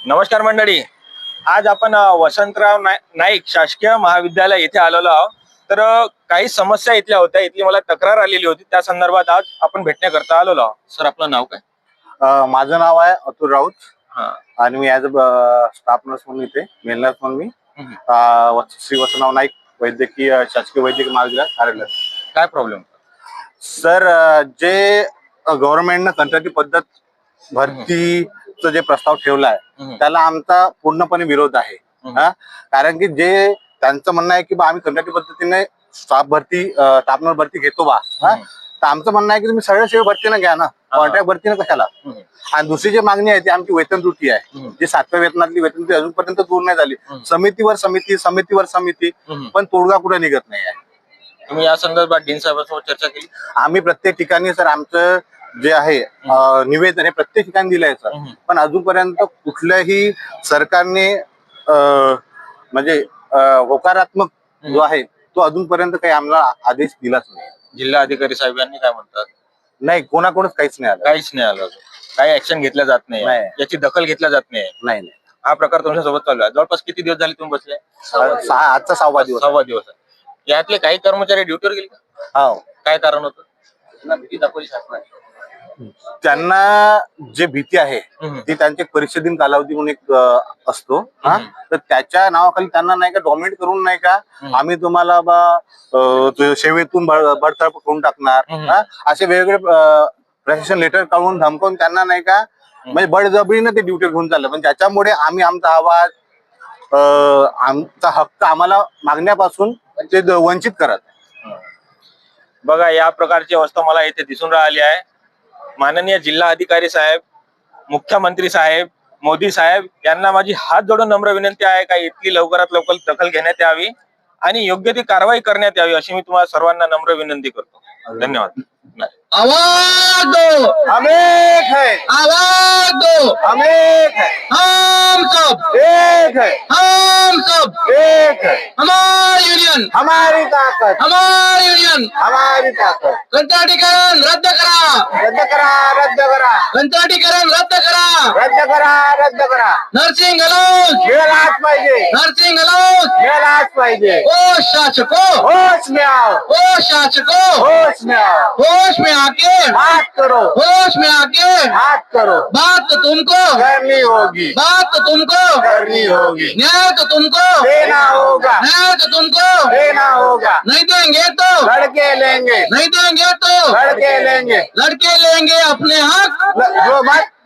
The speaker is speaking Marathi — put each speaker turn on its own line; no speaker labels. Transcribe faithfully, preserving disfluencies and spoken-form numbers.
नमस्कार मंडळी, आज आपण अ, वसंतराव नाय- नाईक शासकीय महाविद्यालय येथे आलेलो आहोत. तर अ, काही समस्या इथल्या होत्या, इथली मला तक्रार आलेली होती, त्या संदर्भात आज आपण भेटण्याकरता आलेलो आहोत. सर, आपलं नाव काय?
अ, माझं नाव आहे अतुल राऊत
हा.
आणि मी ॲज अ स्टाफ नर्स म्हणून इथे मेल नर्स म्हणून मी
हम्म.
अ, वस- श्री वसंतराव नाईक वैद्यकीय शासकीय वैद्यकीय महाविद्यालयात कार्यरत.
काय प्रॉब्लेम?
सर, अ, जे गव्हर्नमेंटनं कंत्राटी पद्धत भरतीचं जे प्रस्ताव ठेवला आहे त्याला आमचा पूर्णपणे विरोध आहे. हा, कारण की जे त्यांचं म्हणणं आहे की बा आम्ही कंत्राटी पद्धतीने स्टाफ भरती स्टाफ नर्स भरती घेतो बा, हा, तर आमचं म्हणणं आहे की तुम्ही सरळ सेवा भरतीनं घ्या ना, कॉन्ट्रॅक्ट भरतीनं कशाला. आणि दुसरी जी मागणी आहे ती आमची वेतन त्रुटी आहे, जी सातव्या वेतनातली वेतन त्रुटी अजूनपर्यंत दूर नाही झाली. समितीवर समिती समितीवर समिती पण तोडगा कुठे निघत नाही आहे.
तुम्ही या संदर्भात डीन साहेबांसोबत चर्चा केली?
आम्ही प्रत्येक ठिकाणी सर आमचं जे आहे अ, निवेदन हे प्रत्येक ठिकाणी दिलंय सर, पण अजूनपर्यंत कुठल्याही सरकारने अ, म्हणजे अ, होकारात्मक जो आहे तो अजूनपर्यंत काही आम्हाला आदेश दिलाच नाही.
जिल्हा अधिकारी साहेब यांनी काय म्हणतात?
नाही, कोणाकडूनच काहीच नाही आलं.
काहीच नाही आलं अजून. काही ऍक्शन घेतल्या जात नाही,
नाही.
याची दखल घेतल्या जात नाही.
नाही नाही
हा प्रकार तुमच्या सोबत चालू आहे. जवळपास किती दिवस झाले तुम्ही बसले?
अ, सहा आजचा सहावा दिवस आहे.
सव्वा दिवस आहे. यातले काही कर्मचारी ड्युटीवर गेले का?
हो,
काय कारण होतं? त्यांना भीती दाखवली शासनाने.
त्यांना जे भीती आहे
हम्म.
ती त्यांचे परीक्षा दिन कालावधी म्हणून एक अ, असतो, हा, तर त्याच्या नावाखाली त्यांना नाही का डॉमिनेट करून नाही का आम्ही तुम्हाला बा अ, तो सेवेतून बड- बडतर्फ करून टाकणार, हा, असे वेगवेगळे अ, प्रशासन लेटर काढून धमकावून त्यांना नाही का म्हणजे बळजबरीनं ते ड्युटी घेऊन चाललं. पण त्याच्यामुळे आम्ही आमचा आवाज अ, आमचा हक्क आम्हाला मागण्यापासून ते द- वंचित करत.
बघा, या प्रकारची अवस्था मला इथे दिसून राहिली आहे. माननीय जिल्हा अधिकारी साहेब, मुख्यमंत्री साहेब, मोदी साहेब यांना माझी हात जोडून नम्र विनंती आहे का इतकी लवकरात लवकर दखल घेण्यात यावी आणि योग्य ती कारवाई करण्यात यावी, अशी मी तुम्हाला सर्वांना नम्र विनंती करतो. धन्यवाद.
आवाज दो,
हम एक है,
आवाज दो,
हम एक है,
हम सब,
एक है,
हम सब,
एक है,
हमारी यूनियन,
हमारी ताकत,
हमारी यूनियन,
हमारी ताकत.
कंत्राटीकरण रद्द करा,
रद्द करा, रद्द करा,
कंत्राटीकरण रद्द करा,
रद्द करा, रद्द करा.
नर्सिंग अलाउंस,
मिळालाच पाहिजे,
नर्सिंग अलाउंस,
मिळालाच पाहिजे.
ओ शासको,
होश में आओ,
ओ शासको,
होश में आओ,
होश में आके,
बात करो,
होश में आके,
बात करो,
बात तो तुमको
करनी होगी,
बात तो तुमको
करनी होगी,
न्याय तो तुमको
देना होगा,
न्याय तो तुमको
देना होगा.
नहीं देंगे तो
लड़के लेंगे,
नहीं देंगे तो
लड़के लेंगे,
लड़के लेंगे अपने हक,
ल- जो मत